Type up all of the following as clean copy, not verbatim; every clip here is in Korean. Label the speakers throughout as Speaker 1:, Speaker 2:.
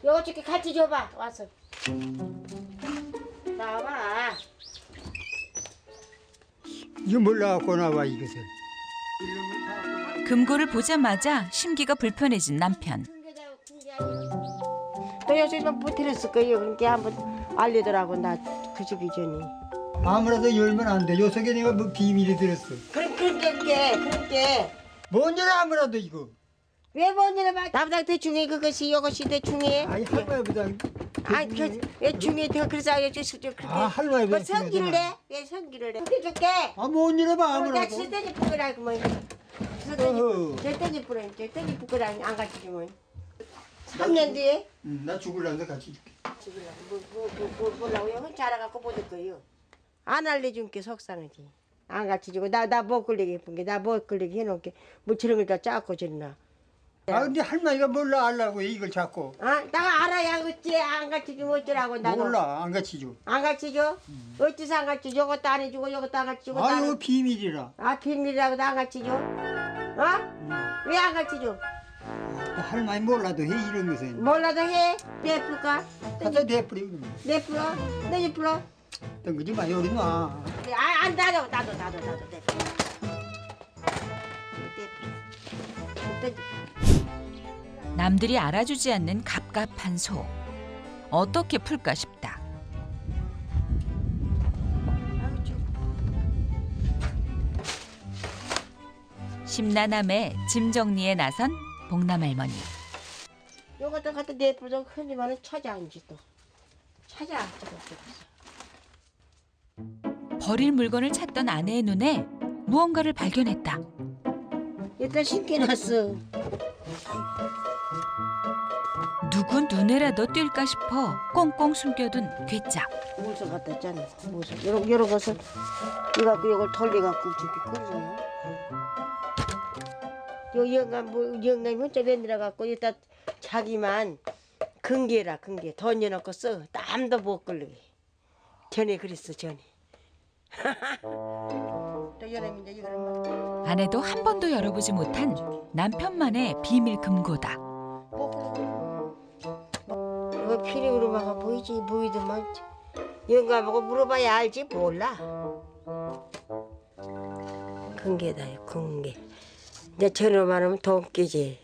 Speaker 1: 요거 저기 같이 줘봐 와서. 나와봐.
Speaker 2: 이거 몰라갖고 나와 이것을.
Speaker 3: 금고를 보자마자 심기가 불편해진 남편.
Speaker 1: 또 요즘은 못 들었을 거예요. 그러니까 한번 알리더라고 나 그 주기 전에.
Speaker 2: 아무라도 열면 안 돼. 요 속에 내가 뭐 비밀이 들었어.
Speaker 1: 그렇게.
Speaker 2: 뭔 일 아무라도 이거.
Speaker 1: 왜 뭔지를 봐. 나보다 대충해 그것이 이것이 대충해.
Speaker 2: 아니 할머니보다.
Speaker 1: 아니 왜 중에 더 그래서 알려줬을 때 그렇게.
Speaker 2: 아 할머니보다.
Speaker 1: 뭐 성기를 내? 왜 성기를 내? 해줄게.
Speaker 2: 아뭔 일을 봐
Speaker 1: 나
Speaker 2: 아무라도.
Speaker 1: 절대지 부끄라고 뭐.
Speaker 2: 어허.
Speaker 1: 절대지 부끄라고 안 가르치지 뭐. 3년 뒤에
Speaker 2: 나 죽을란데 같이 줄게.
Speaker 1: 뭐라고 형 자라갖고 못 할 거예요. 안 알려준 게 속상하지. 안 가르치고 나 못 걸리게 예쁜 게 나 못 걸리게 해놓을게. 뭐 저런 걸 다 짜고 저러나.
Speaker 2: 아 근데 할머니가 몰라 알라고 이걸 자꾸.
Speaker 1: 아 내가 알아야 어찌 안 가르치주면 어쩌라고 나도.
Speaker 2: 몰라 안 같이 줘.
Speaker 1: 안 가르치죠? 어찌서 안 가르치죠? 이것도 안 해주고 이것도 안 가르치고.
Speaker 2: 아 이거 비밀이라.
Speaker 1: 아 비밀이라고도 안 가르치죠? 어? 왜 안 가르치죠?
Speaker 2: 할머니 몰라도 해 이런 것은.
Speaker 1: 몰라도 해? 내풀까?
Speaker 2: 갖다 내버려 그러면.
Speaker 1: 내풀어? 내풀어?
Speaker 2: 던거지 마 요리 놔.
Speaker 1: 안 나도 내풀어.
Speaker 3: 남들이 알아주지 않는 갑갑한 속. 어떻게 풀까 싶다. 심란함에 짐 정리에 나선 봉남 할머니.
Speaker 1: 요것도 갖다 내풀어 흔히만은 찾아 이제 또. 찾아.
Speaker 3: 버릴 물건을 찾던 아내의 눈에 무언가를 발견했다.
Speaker 1: 일단 신기났어.
Speaker 3: 누구 눈에라도 띌까 싶어 꽁꽁 숨겨둔 괴짝.
Speaker 1: 물소 갖다 했잖아. 물소. 요런 것을 이거 갖고 요걸 돌려갖고 저기 끓여요. 요 영감이 혼자 내느라 갖고 일단 자기만 근개라 근개 던져놓고 써. 땀도 못 걸리게. 전에 그랬어 전에. 또 여름인데 이거는
Speaker 3: 아내도 한 번도 열어보지 못한 남편만의 비밀 금고다.
Speaker 1: 이거 피리그로마가 보이더만 영감하고 물어봐야 알지 몰라. 근개다 근개. 이제 저놈만 하면 돈깨지.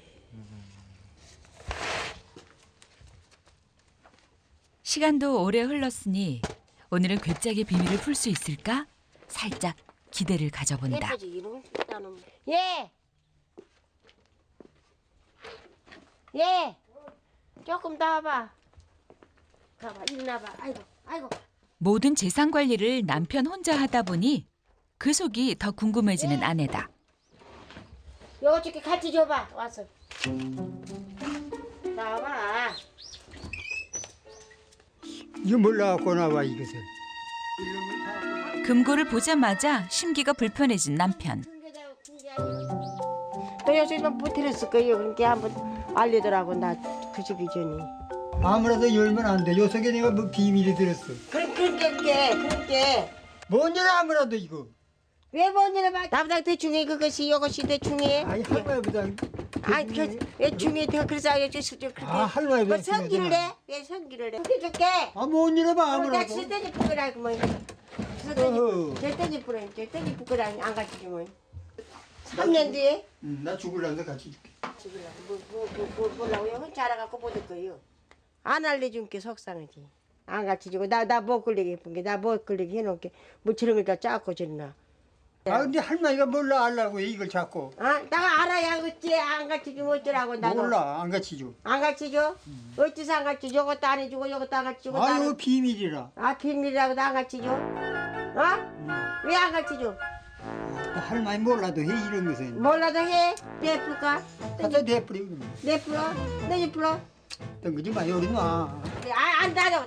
Speaker 3: 시간도 오래 흘렀으니 오늘은 괴짝의 비밀을 풀 수 있을까? 살짝 기대를 가져본다.
Speaker 1: 예쁘지 이놈 나는. 예. 예. 조금 더 와봐. 가봐 일어나봐. 아이고.
Speaker 3: 모든 재산 관리를 남편 혼자 하다 보니 그 속이 더 궁금해지는 아내다.
Speaker 1: 요거 저기 같이 줘봐 와서. 나와봐.
Speaker 2: 이거 몰라갖고 나와 이것을.
Speaker 3: 금고를 보자마자 심기가 불편해진 남편.
Speaker 1: 또 요즘은 못 들었을 거예요. 그러니까 한번 알리더라고 나 그 주기 전에.
Speaker 2: 아무라도 열면 안 돼. 요 속에 내가 뭐 비밀이 들었어.
Speaker 1: 그렇게.
Speaker 2: 뭔 일 아무라도 이거.
Speaker 1: 왜 뭔지를 봐. 나보다 대충해 그것이 이것이 대충해.
Speaker 2: 아니 할머니보다.
Speaker 1: 아니 왜 중에 더 그래서 알려줬을 때 그렇게.
Speaker 2: 아 할머니보다.
Speaker 1: 뭐 성기를 내? 왜 성기를 내? 해줄게.
Speaker 2: 아뭔 일을 봐
Speaker 1: 나
Speaker 2: 아무라도.
Speaker 1: 절대지 부끄라고 뭐.
Speaker 2: 어허.
Speaker 1: 절대지 부끄라고 안 가르치지 뭐. 3년 뒤에
Speaker 2: 나 죽을란데 같이 줄게.
Speaker 1: 뭐라고 형 자라갖고 못 할 거예요. 안 알려준 게 속상하지. 안 가르치고 나 못 걸리게 예쁜 게 나 못 걸리게 해놓을게. 뭐 저런 걸 다 짜고 저러나.
Speaker 2: 아 근데 할머니가 몰라 알라고 이걸 자꾸.
Speaker 1: 내가 알아야 어찌 안 가르치주면 어쩌라고 나도.
Speaker 2: 몰라 안 같이 줘.
Speaker 1: 안 가르치죠? 어찌서 안 가르치죠? 이것도 안 해주고 이것도 안 가르치고.
Speaker 2: 아 이거 비밀이라.
Speaker 1: 비밀이라고도 안 가르치죠? 왜 안 가르치죠?
Speaker 2: 할머니 몰라도 해 이런 것은.
Speaker 1: 몰라도 해? 내풀까?
Speaker 2: 갖다 내버려 그러면.
Speaker 1: 내풀어? 내풀어?
Speaker 2: 던거지 마 요리 놔.
Speaker 1: 안 나도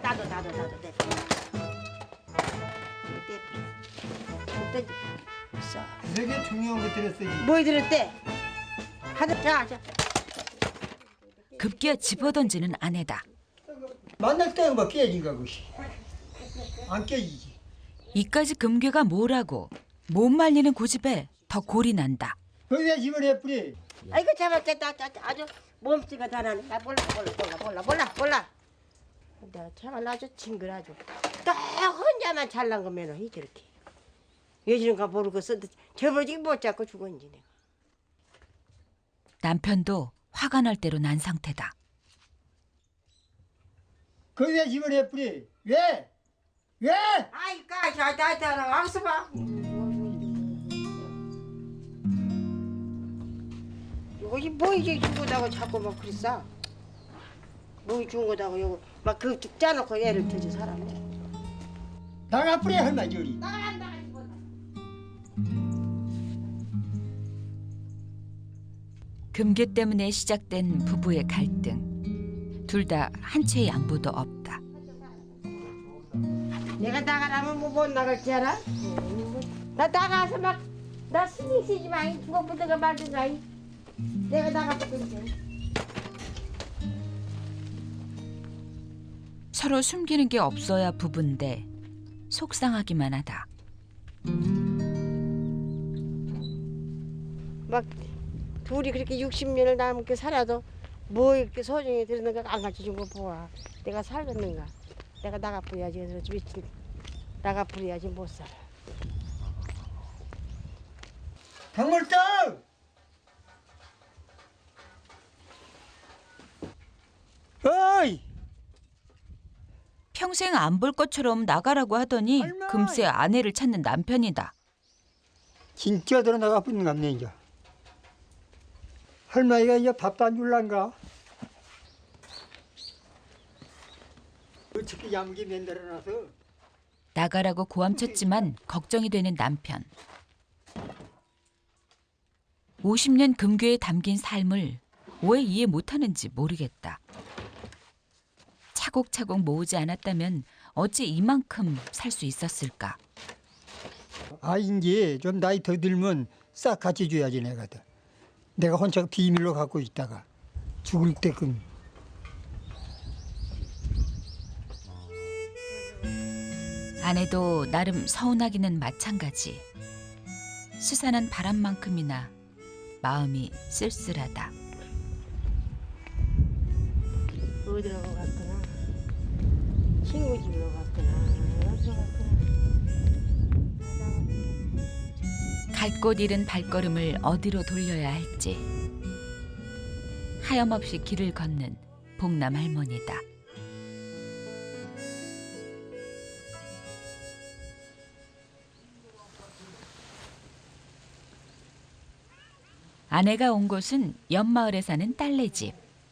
Speaker 1: 내풀어.
Speaker 2: 되게 중요한 거 들었어지.
Speaker 1: 뭐 들었대? 자.
Speaker 3: 급기야 집어던지는 아내다.
Speaker 2: 만날 때가 막 깨진가 그시. 안 깨지지.
Speaker 3: 이까지 금괴가 뭐라고 못 말리는 고집에 더 골이 난다.
Speaker 2: 거기다 집을 해버려.
Speaker 1: 아이고 잡았겠다. 아주 몸뚱이가 다 나네. 나 몰라. 내가 참말 아주 징그라져. 또 혼자만 잘난 거면 이 저렇게. 요즘가 모르고 써도 저버지 못 잡고 죽었지 내가.
Speaker 3: 남편도 화가 날 대로 난 상태다.
Speaker 2: 그 왜 집을 해뿌리? 왜?
Speaker 1: 아이 까자 와서 봐. 이것이 뭐 이제 죽었다고 자꾸 막 그랬어. 뭐 죽은 거다고 요거 막그 짜놓고 애를 터지 사람이.
Speaker 2: 나가뿌리 할마 저리.
Speaker 3: 금괴 때문에 시작된 부부의 갈등. 둘 다 한 채의 양보도 없다.
Speaker 1: 내가 나가라면 뭐 못 나갈 줄 알아? 나 나가서 막 나 신경 쓰지 마. 죽어보든가 말든가. 내가 나가보든지.
Speaker 3: 서로 숨기는 게 없어야 부부인데 속상하기만 하다.
Speaker 1: 막 둘이 그렇게 60년을 남게 살아도 뭐 이렇게 소중히 들었는가 안 가르쳐준 거 보아. 내가 살겠는가. 내가 나가버려야지. 그래서 미친 나가버려야지 못 살아.
Speaker 2: 박물떡! 어이!
Speaker 3: 평생 안 볼 것처럼 나가라고 하더니
Speaker 2: 얼마?
Speaker 3: 금세 아내를 찾는 남편이다.
Speaker 2: 진짜 들어 나가뿌리는 갑네 이제. 할머니가 이제 밥도 안 줄란가? 어떻게 야무게 만들어놔서.
Speaker 3: 나가라고 고함쳤지만 걱정이 되는 남편. 50년 금괴에 담긴 삶을 왜 이해 못하는지 모르겠다. 차곡차곡 모으지 않았다면 어찌 이만큼 살 수 있었을까?
Speaker 2: 아 이제 좀 나이 더 들면 싹 같이 줘야지 내가들. 내가 혼자 비밀로 갖고 있다가 죽을 때끔.
Speaker 3: 아내도 나름 서운하기는 마찬가지. 스산한 바람만큼이나 마음이 쓸쓸하다.
Speaker 1: 어디로 갔구나. 친구 집으로 갔구나. 어디로 갔구나.
Speaker 3: 갈 곳 잃은 발걸음을 어디로 돌려야 할지. 하염없이 길을 걷는 봉남 할머니다. 아내가 온 곳은 옆마을에 사는 딸네 집.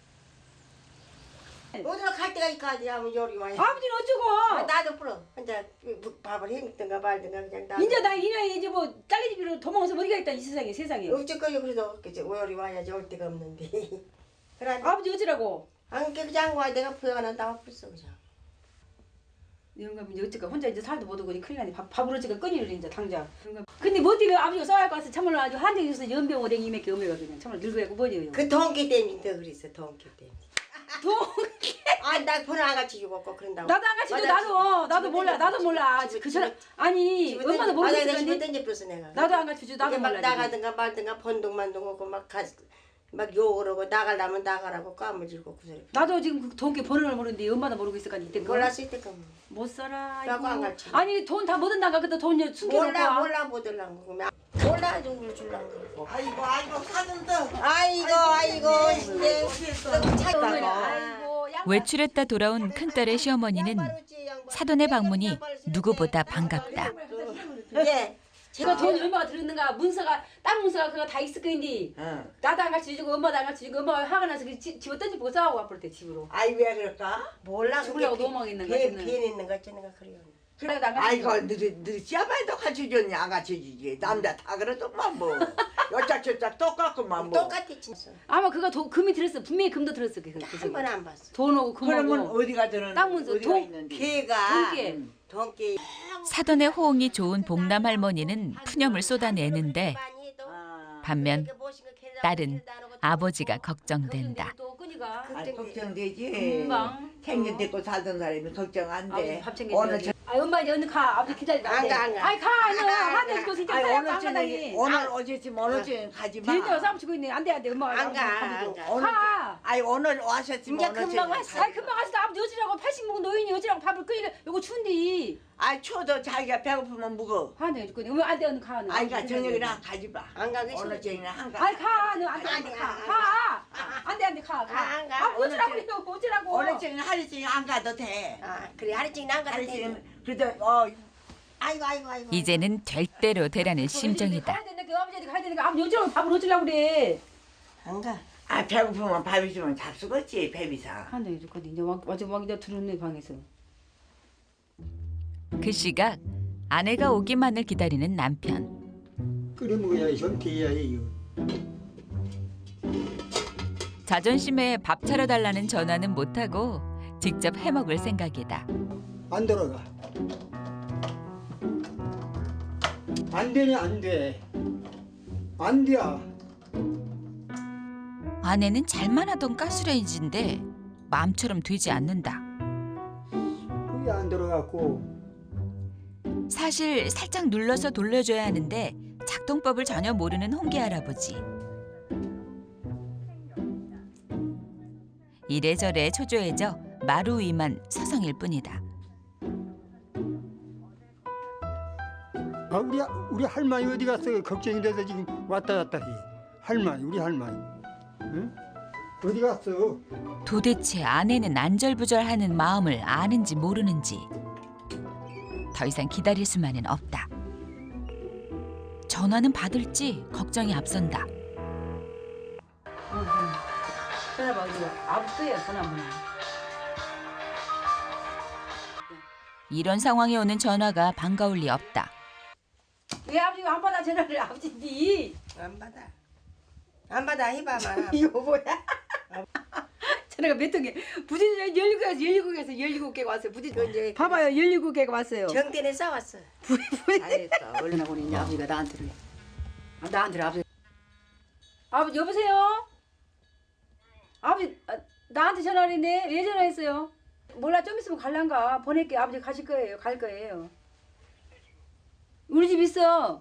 Speaker 1: 어디로 갈 때가 있까지 하면 요리 와요.
Speaker 4: 아버지는 어쩌고?
Speaker 1: 나도 풀어. 혼자 밥을 해먹든가 말든가 그냥 나.
Speaker 4: 이제 나 이 나이에 이제 뭐 딸내 집으로 도망가서 어디가 있다 이 세상에.
Speaker 1: 어쨌거니 그래도 요리 와야지 올 데가 없는데. 그래.
Speaker 4: 아버지 어쩌라고?
Speaker 1: 안 그냥 와 내가 부여가 난다고 풀었어 그냥.
Speaker 4: 이런 거 이제 어쩌까 혼자 이제 살도 못 오고 큰일 나네. 밥을 어쩌까 끊이를 이제 당장. 근데 뭐 어떻게 아버지가 싸울 것 같아서 참말로 아주 한정이 있어서 연병 오뎅이 몇개 오메가 그냥 참말로 늙어야고 뭐지요.
Speaker 1: 그 동기 때문에 더 그랬어 동기 때문에.
Speaker 4: 동기.
Speaker 1: 아나 번호 안 같이 죽었고 그런다고.
Speaker 4: 나도 안 같이 나도 몰라. 그 사람 아니 엄마도
Speaker 1: 집에
Speaker 4: 모르겠는데
Speaker 1: 던져버렸어 내가.
Speaker 4: 나도 안 같이 나도
Speaker 1: 막
Speaker 4: 몰라.
Speaker 1: 나가든가 말든가 번둥만둥 하고 막 욕을 하고 나가려면 나가라고 까무질고 그 소리.
Speaker 4: 나도 지금 그 동기 번호를 모르는데 엄마도 모르고 있을 거 아니 이때
Speaker 1: 몰랐을 때까
Speaker 4: 못 살아.
Speaker 1: 라고 안 가르쳐.
Speaker 4: 아니 돈 다 뭐든 나가 그때 돈 숨겨놓고.
Speaker 1: 몰라 못 들란 거. 몰라 누굴 줄란 거.
Speaker 5: 아이고 사돈도
Speaker 1: 아이고 이제
Speaker 3: 외출했다 돌아온 큰딸의 시어머니는 사돈의 방문이 누구보다 반갑다.
Speaker 1: 예.
Speaker 4: 제가 돈이 얼마가 들었는가 문서가 땅 문서가 그거 다 있을 거인데
Speaker 5: 응.
Speaker 4: 나도 안 같이 주고 엄마도 안 같이 주고 엄마가 화가 나서 집어 던지고 싸우고 앞으로 때 집으로.
Speaker 5: 아이 왜 그럴까?
Speaker 1: 몰라.
Speaker 4: 죽으려고 도망있는 거 같지는.
Speaker 1: 비엔 있는 거 같지는 그래요.
Speaker 4: 그래 나안 같이
Speaker 5: 아이고
Speaker 4: 주고.
Speaker 5: 너희 씨아빠도 같이 주니 안 같이 주지 남자 다 그러더만 뭐 여짝저짝 똑같구만 뭐
Speaker 1: 똑같이 진짜.
Speaker 4: 아마 그거 금이 들었어. 분명히 금도 들었어.
Speaker 1: 한 번 안 봤어.
Speaker 4: 돈하고
Speaker 5: 그러면
Speaker 4: 금하고.
Speaker 5: 어디가 들은
Speaker 4: 땅 문서,
Speaker 5: 어디가
Speaker 4: 돈,
Speaker 5: 있는데
Speaker 1: 걔가
Speaker 4: 돈깨.
Speaker 1: 돈깨.
Speaker 3: 사돈의 호응이 좋은 봉남 할머니는 푸념을 쏟아내는데 반면 딸은 아버지가 걱정된다.
Speaker 4: 또 끈이가.
Speaker 5: 아 걱정되지
Speaker 4: 금방.
Speaker 5: 생년 됐고 살던 사람이 걱정
Speaker 4: 아버지
Speaker 5: 안돼
Speaker 4: 밥
Speaker 5: 오늘
Speaker 4: 챙겨줘야지. 아 엄마 이제 얼른 가. 아버지 기다리다.
Speaker 1: 안 가, 안 가.
Speaker 4: 아이 가. 한대 주고 진짜
Speaker 5: 아니
Speaker 4: 싸야
Speaker 5: 오늘
Speaker 4: 안 가다니.
Speaker 5: 저녁에 오늘 어제쯤 오늘 저녁 가지 마
Speaker 4: 빌려 싸움 치고 있네. 안 돼. 엄마가
Speaker 1: 안 가.
Speaker 5: 오늘
Speaker 4: 가.
Speaker 5: 아이 오늘 와셨지만
Speaker 1: 이제
Speaker 5: 오늘
Speaker 1: 금방
Speaker 5: 저녁에
Speaker 1: 왔어.
Speaker 4: 아이 금방 가서 아버지 어찌라고 80 먹은 노인이 어찌라고 밥을 끓이려 요거 추운데.
Speaker 5: 아이 추워도 자기가 배고프면 묵어.
Speaker 4: 하네 죽거든. 왜안돼 언니 가.
Speaker 5: 아이가 저녁이나 가지 마.
Speaker 1: 안 가기
Speaker 5: 오늘
Speaker 1: 싫지.
Speaker 5: 저녁이나 한가.
Speaker 4: 아이 가. 너안돼 가. 안돼 가.
Speaker 1: 안 가.
Speaker 4: 아 어찌라고 그래요. 어찌라고.
Speaker 5: 오늘 저녁 하루 종일 안 가도 돼.
Speaker 1: 아 그래 하루씩 안 가도
Speaker 5: 하루
Speaker 1: 돼.
Speaker 5: 종일 그래도
Speaker 1: 아이고.
Speaker 3: 이제는 될 대로 되라는 심정이다.
Speaker 4: 가야 되는데 그 아버지한테 가야 되니까 아버지 어찌라고 밥을 어찌라고 그래.
Speaker 1: 안 가.
Speaker 5: 아 배고프면 밥 있으면 잡수겠지 배비상.
Speaker 4: 한대 죽거든. 이제 막 이제 들었네 방에서.
Speaker 3: 그 시각 아내가 오기만을 기다리는 남편.
Speaker 2: 끓여 먹어야 좀 돼야 해요.
Speaker 3: 자존심에 밥 차려달라는 전화는 못하고 직접 해먹을 생각이다.
Speaker 2: 안 들어가. 안 되네 안 돼. 안 돼.
Speaker 3: 아내는 잘만 하던 가스레인지인데 마음처럼 되지 않는다.
Speaker 2: 그게 안 들어갔고.
Speaker 3: 사실 살짝 눌러서 돌려줘야 하는데 작동법을 전혀 모르는 홍기 할아버지. 이래저래 초조해져 마루 위만 서성일 뿐이다.
Speaker 2: 아, 우리 할머니 어디 갔어? 걱정이 돼서 지금 왔다 갔다 해. 우리 할머니. 응? 어디 갔어?
Speaker 3: 도대체 아내는 안절부절하는 마음을 아는지 모르는지 더 이상 기다릴 수만은 없다. 전화는 받을지 걱정이 앞선다.
Speaker 4: 전화 봐 이거 아버지야 전화 뭐.
Speaker 3: 이런 상황에 오는 전화가 반가울 리 없다.
Speaker 4: 왜 아버지가 안 받아 전화를 아버지니?
Speaker 1: 안 받아 해봐봐.
Speaker 4: 이거 뭐야? 전화가 몇 통에 부진 17개에서 17개가 왔어요. 부진
Speaker 1: 이제
Speaker 4: 봐봐요 17개가 왔어요.
Speaker 1: 정대는 싸웠어.
Speaker 4: 알겠다. 얼마나 보니 아버지가 나한테를. 나한테를 아버지 여보세요? 아버지 나한테 전화를 했네. 왜 전화했어요? 몰라 좀 있으면 갈란가. 보낼게. 아버지 가실 거예요. 갈 거예요. 우리 집 있어.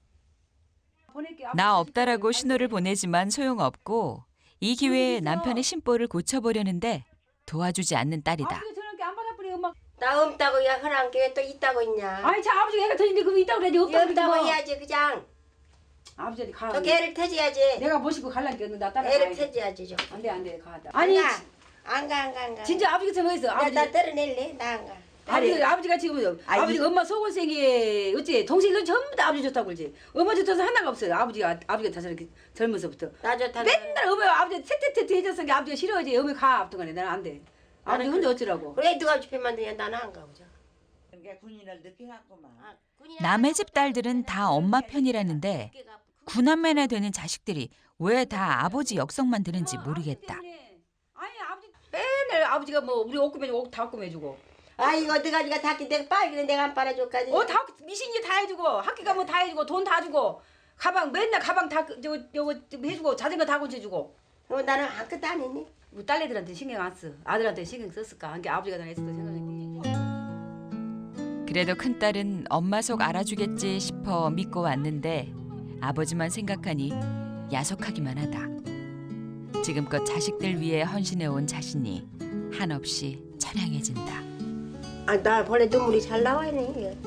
Speaker 4: 보낼게. 아버지
Speaker 3: 나
Speaker 4: 가실
Speaker 3: 없다라고
Speaker 4: 거예요.
Speaker 3: 신호를 보내지만 소용없고 이 기회에 남편의 심보를 고쳐보려는데 도와주지 않는 딸이다.
Speaker 4: 아버지가 전화기 안 받아버려 엄마.
Speaker 1: 나 없다고 야 허랑 게왜 또 있다고 있냐.
Speaker 4: 아니 자 아버지가 애가 터진데 그거 있다고 그래야지 없다고 그러지
Speaker 1: 없다고
Speaker 4: 마.
Speaker 1: 해야지 그냥.
Speaker 4: 아버지한테 가.
Speaker 1: 저 개를 태져야지.
Speaker 4: 내가 모시고 갈라니까 나 따라가.
Speaker 1: 애를 태져야지 좀.
Speaker 4: 안돼 가. 아니
Speaker 1: 안 가.
Speaker 4: 진짜 아버지가 전화했어. 아버지.
Speaker 1: 나 때려낼래? 나 안 가.
Speaker 4: 아버지가 지금 아버지가 엄마 속을생에 어째 동생이 전부 다 아버지 좋다고 그러지. 엄마 좋다서 하나가 없어요. 아버지가 다 저렇게 젊어서부터
Speaker 1: 나 좋다.
Speaker 4: 맨날 엄마 아버지 테테테테 해줬으니까 아버지가 싫어하지. 엄마 가 앞동안에 나는 안 돼. 아버지 혼자 어쩌라고.
Speaker 1: 그래 누가 집에만 두냐 나는 안 가보자.
Speaker 5: 그러니까 군인을 늦게 갔구만.
Speaker 3: 남의 집 딸들은 다 엄마 편이라는데 구남매나 되는 자식들이 왜 다 아버지 역성만 드는지 모르겠다.
Speaker 4: 아니 아버지 맨날 아버지가 뭐 우리 옷 꾸며주고 옷 다 꾸며주고.
Speaker 1: 아 이거 어디가지가 닦기 내가 빨기는 내가 안 빨아줄까지.
Speaker 4: 다 미신이 다 해주고 학교 가면 다 해주고 돈 다 주고 가방 맨날 가방 다 요거 해주고 자전거 다 고쳐주고.
Speaker 1: 나는 아무것도 안 했니?
Speaker 4: 우리 딸내들한테 신경 안 써. 아들한테 신경 썼을까? 한게 아버지가 다 했을 거 생각했니?
Speaker 3: 그래도 큰딸은 엄마 속 알아주겠지 싶어 믿고 왔는데 아버지만 생각하니 야속하기만 하다. 지금껏 자식들 위해 헌신해온 자신이 한없이 처량해진다.
Speaker 1: 나 원래 눈물이 잘 나와네.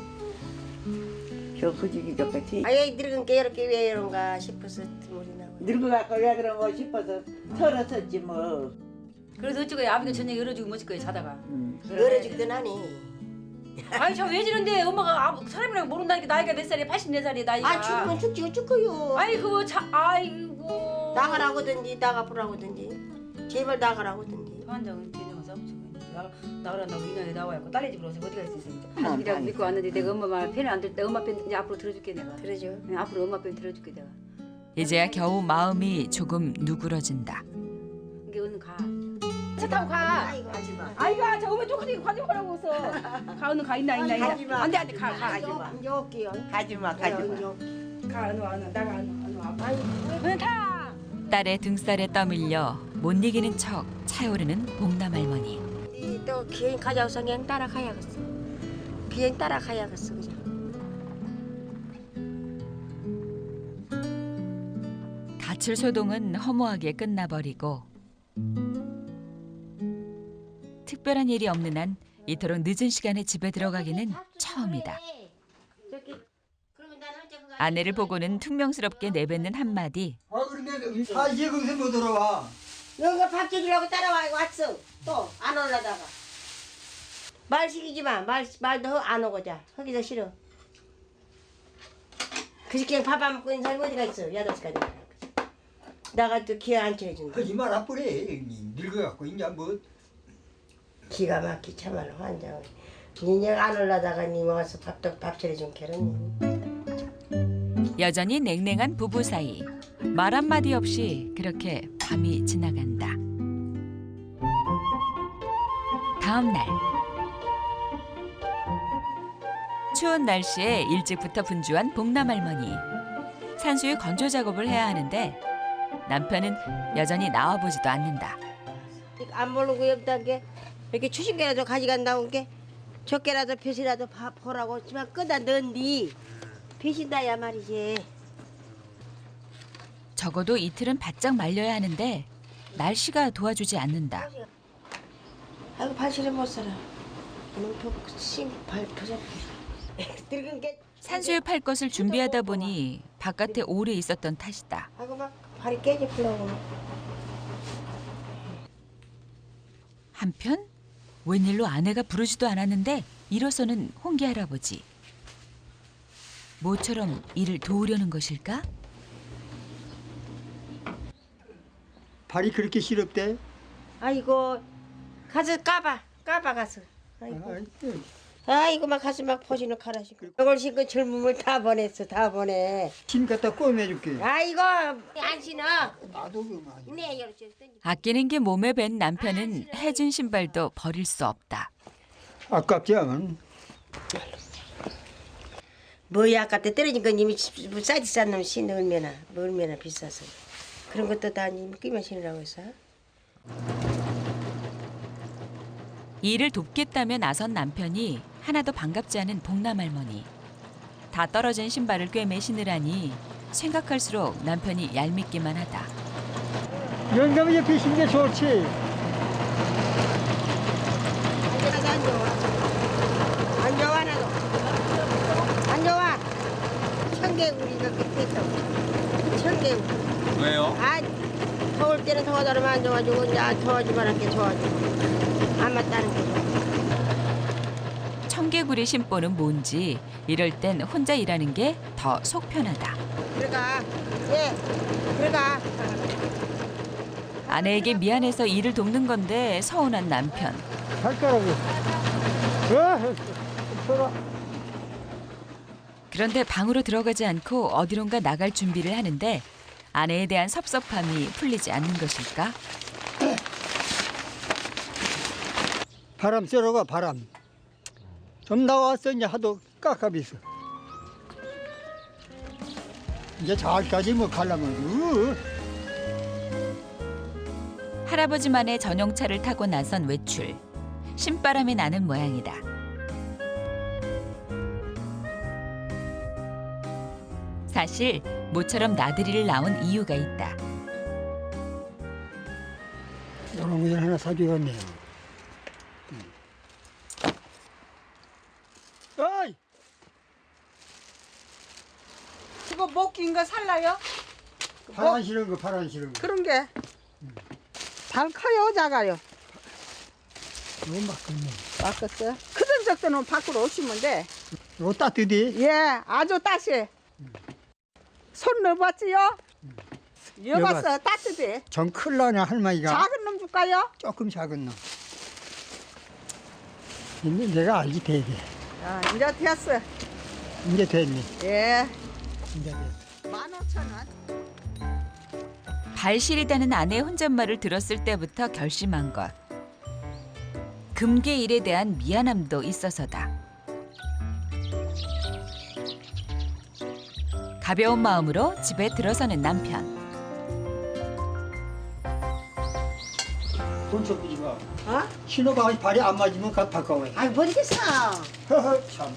Speaker 5: 저 후지기 같이
Speaker 1: 아예 늙은 게 이렇게 왜 이런가 싶어서 눈물이 나와.
Speaker 5: 늙어갖고 왜 그런 거 싶어서 털었었지 뭐.
Speaker 4: 그래서 어쩌고 아버지가 저녁에 열어주고 멋질 거예요 자다가.
Speaker 1: 열어주기도 하니.
Speaker 4: 아니 저 왜 지는데 엄마가 사람이랑 모른다니까 나이가 몇 살이야? 84살이야 나이가.
Speaker 1: 아 죽으면 죽지고 죽고요.
Speaker 4: 아니 그거 아이고.
Speaker 1: 나가라고든지 나가보라고든지 제발 나가라고든지.
Speaker 4: 환장은 되는 거 싸우고 나가란다고 인연에 나와갖고 딸네 집으로 오서 어디 갈 수 있어 진짜.
Speaker 5: 어머,
Speaker 4: 그냥
Speaker 5: 아니.
Speaker 4: 믿고 왔는데 내가 엄마 말 편을 안 들 때 엄마 편 이제 앞으로 들어줄게 내가.
Speaker 1: 그러죠.
Speaker 4: 앞으로 엄마 편 들어줄게 내가.
Speaker 3: 이제야 겨우 마음이 조금 누그러진다.
Speaker 4: 이게 얼른 가. 차 타고 가.
Speaker 1: 아이고 하지마.
Speaker 4: 아이고 저 엄마 똑같이 가지 말라고 해서. 가 얼른 가 있나.
Speaker 5: 가지마.
Speaker 4: 안돼 가.
Speaker 5: 가지마.
Speaker 1: 이제 올게요.
Speaker 5: 가지마
Speaker 1: 이제
Speaker 5: 가지마.
Speaker 1: 올게.
Speaker 4: 가 얼른 와 나가 얼른 와. 얼른 타.
Speaker 3: 딸의 등살에 떠밀려 못 이기는 척 차오르는 봉남 할머니.
Speaker 1: 또 비행 가져와서 그냥 따라가야겠어. 비행 따라가야겠어 그냥.
Speaker 3: 가출 소동은 허무하게 끝나버리고 특별한 일이 없는 한 이토록 늦은 시간에 집에 들어가기는 처음이다. 아내를 보고는 퉁명스럽게 내뱉는 한마디.
Speaker 2: 아 그런데 이게 거기서 못 들어와.
Speaker 1: 여기가 밥 지으려고 따라와 왔어. 또 안 올라다가. 말 시키지 마. 말도 안 오고 자. 거기서 싫어. 그저께 밥 안 먹고 있는 사람이 어디가 있어. 8시까지. 나가 또 기회 안 쳐준다.
Speaker 2: 하지 마라 뿌래. 늙어갖고 이제 뭐.
Speaker 1: 기가 막히 참말로 환장. 니네 안 올라다가 니 와서 밥 차려준 게는.
Speaker 3: 여전히 냉랭한 부부 사이. 말 한마디 없이 그렇게 밤이 지나간다. 다음 날. 추운 날씨에 일찍부터 분주한 복남 할머니. 산수유 건조 작업을 해야 하는데 남편은 여전히 나와보지도 않는다.
Speaker 1: 안 모르고 여기다 게 이렇게 추신개라도 가져간다고 게 적게라도 벼시라도 보라고 하지만 끄다 넣은디 벼신다야 말이지.
Speaker 3: 적어도 이틀은 바짝 말려야 하는데 날씨가 도와주지 않는다.
Speaker 1: 아이고 발실을 못 살아. 발 버섯. 늙은 게
Speaker 3: 산수유 팔 것을 준비하다 보니 바깥에 오래 있었던 탓이다.
Speaker 1: 아이고 막 발이 깨지려고.
Speaker 3: 한편 웬일로 아내가 부르지도 않았는데 일어서는 홍기 할아버지. 모처럼 일을 도우려는 것일까?
Speaker 2: 발이 그렇게 시렵대?
Speaker 1: 아이고 가서 까봐 가서. 아이고. 아이고 막 가서 막 포신을 갈아시고 이걸 신고 젊음을 다 보냈어 다 보내.
Speaker 2: 침 갖다 꼬매줄게.
Speaker 1: 아이고 안 신어.
Speaker 2: 나도 그만.
Speaker 1: 네 열쇠 던지.
Speaker 3: 아끼는 게 몸에 밴 남편은 해준 신발도 버릴 수 없다.
Speaker 2: 아깝지 않은.
Speaker 1: 뭐야 아까때 떨어진 건 이미 싸지 싼 놈 신어 얼마나 비싸서 그런 것도 다 이미 끼면 신으라고 했어.
Speaker 3: 일을 돕겠다며 나선 남편이 하나도 반갑지 않은 복남 할머니. 다 떨어진 신발을 꿰매 신으라니 생각할수록 남편이 얄밉기만 하다.
Speaker 2: 영감이 옆에 신게 좋지.
Speaker 1: 안 좋아 나도 안 좋아. 청개구리가 끝에 있어. 청개구리.
Speaker 6: 왜요?
Speaker 1: 아 더울 때는 더워더라면 안 좋아지고 이제 더워지면 할게 좋아지고 안 맞다는 거죠.
Speaker 3: 청개구리 심보는 뭔지 이럴 땐 혼자 일하는 게 더 속 편하다.
Speaker 1: 들어가. 예 들어가.
Speaker 3: 아내에게 미안해서 일을 돕는 건데 서운한 남편.
Speaker 2: 발가락이. 서라.
Speaker 3: 그런데 방으로 들어가지 않고 어디론가 나갈 준비를 하는데 아내에 대한 섭섭함이 풀리지 않는 것일까?
Speaker 2: 바람 쐬러 가 바람. 좀 나왔어 이제 하도 깝깝이서. 이제 잘까지 뭐 가려면.
Speaker 3: 할아버지만의 전용차를 타고 나선 외출. 신바람이 나는 모양이다. 사실 모처럼 나들이를 나온 이유가 있다.
Speaker 2: 이런 거 하나 사줘야겠네요. 어이!
Speaker 7: 그거 못 낀 거 살라요?
Speaker 2: 파란 싫은 거 파란 싫은 거.
Speaker 7: 그런 게. 잘 커요, 작아요?
Speaker 2: 너무 막혔네.
Speaker 7: 바꿨어요? 크던 적도는 밖으로 오시면 돼.
Speaker 2: 이거 따뜻해?
Speaker 7: 예, 아주 따시. 손 넣어봤지요? 넣어봤어, 따뜻해.
Speaker 2: 전 클라네 할머니가.
Speaker 7: 작은 놈 줄까요?
Speaker 2: 조금 작은 놈. 근데 내가 알지 되게.
Speaker 7: 아, 이제 됐어.
Speaker 2: 이제 됐니?
Speaker 7: 예,
Speaker 2: 이제 됐어.
Speaker 7: 15,000원.
Speaker 3: 발 시리다는 아내의 혼잣말을 들었을 때부터 결심한 것. 금괴 일에 대한 미안함도 있어서다. 가벼운 마음으로 집에 들어서는 남편.
Speaker 2: 돈 쫓기지 마.
Speaker 1: 어?
Speaker 2: 신호가 발이 안 맞으면 가 바꿔와요.
Speaker 1: 아이 모르겠어.
Speaker 2: 허허 참.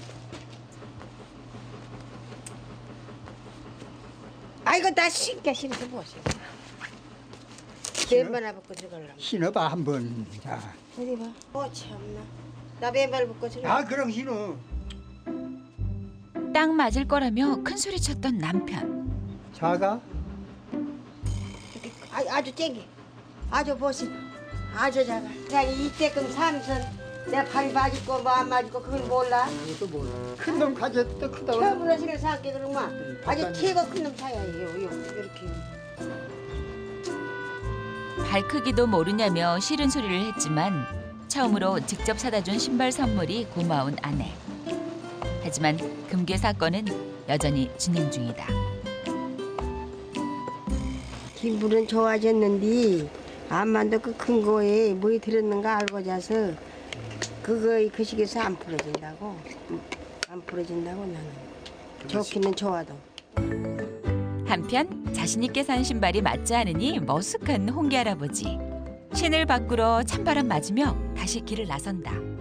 Speaker 1: 아이고 나 신게 싫어서 뭐지. 맨발 벗고 들어가려면.
Speaker 2: 신어봐 한번. 자.
Speaker 1: 어디 봐. 참나. 나 맨발 벗고 들어가.
Speaker 2: 아 그럼 신어.
Speaker 3: 딱 맞을 거라며 큰 소리 쳤던 남편.
Speaker 2: 자가.
Speaker 1: 아주 쨍게. 아주 보시. 아주 작아. 그냥 이때끔 살면서 내 발이 맞을거 뭐 안 맞을거 그걸 몰라.
Speaker 2: 큰 놈 가졌다 크다고.
Speaker 1: 처음으로 신을 사게 그러면 아주 키가 큰 놈 사야 해요. 이렇게.
Speaker 3: 발 크기도 모르냐며 싫은 소리를 했지만 처음으로 직접 사다 준 신발 선물이 고마운 아내. 하지만 금괴 사건은 여전히 진행 중이다.
Speaker 1: 기분은 좋아졌는데 암만도 그 큰 거에 뭐이 들었는가 알고 자서 그거 그 시기에서 안 풀어진다고. 안 풀어진다고 나는. 좋기는 좋아도.
Speaker 3: 한편 자신 있게 산 신발이 맞지 않으니 머쓱한 홍기 할아버지. 신을 바꾸러 찬바람 맞으며 다시 길을 나선다.